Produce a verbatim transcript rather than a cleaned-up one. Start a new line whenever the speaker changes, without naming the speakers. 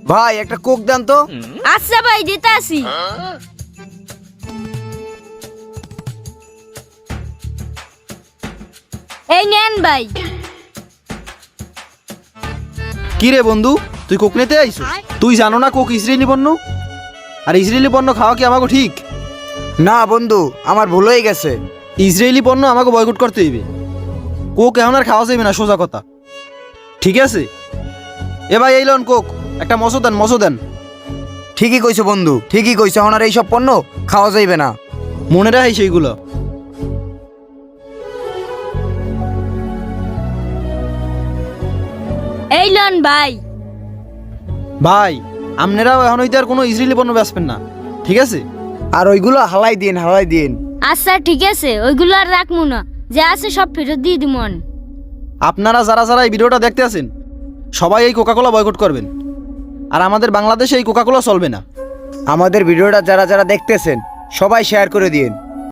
ভাই একটা কোক দেন তো।
আচ্ছা ভাই দিতে আসি। এই নেন ভাই।
কি রে বন্ধু, তুই কোক নিতে আইছো? তুই জানো না কোক ইসরায়েলি পণ্য? আর ইসরায়েলি পণ্য খাওয়া কি আমাকে ঠিক?
না বন্ধু, আমার ভুল হয়ে গেছে।
ইসরায়েলি পণ্য আমাকে বয়কট করতে হইবে। কোক এখন আর খাওয়া যাবে না, সোজা কথা। ঠিক আছে? এ ভাই এই লন কোক, একটা মশো দেন, মশো দেন।
ঠিকই কইছো বন্ধু, ঠিকই কইছো। এখন আর এইসব পণ্য খাওয়া যাইবে না।
মনে রাখি সেইগুলো।
এই লন ভাই।
ভাই আপনারাও এখন হইতে আর কোনো ইসরায়েলি পণ্য বেচবেন না, ঠিক আছে?
আর ওইগুলো হালাই দিন, হালাই দিন।
আচ্ছা ঠিক আছে, ওইগুলো আর রাখবো না, যা আছে সব ফেরত দিয়ে দিমন।
আপনারা যারা যারা এই ভিডিওটা দেখতে আছেন সবাই এই কোকাকোলা বয়কট করবেন। আর আমাদের বাংলাদেশে এই কোকাকোলা চলবে না।
আমাদের ভিডিওটা যারা যারা দেখতেছেন সবাই শেয়ার করে দিন।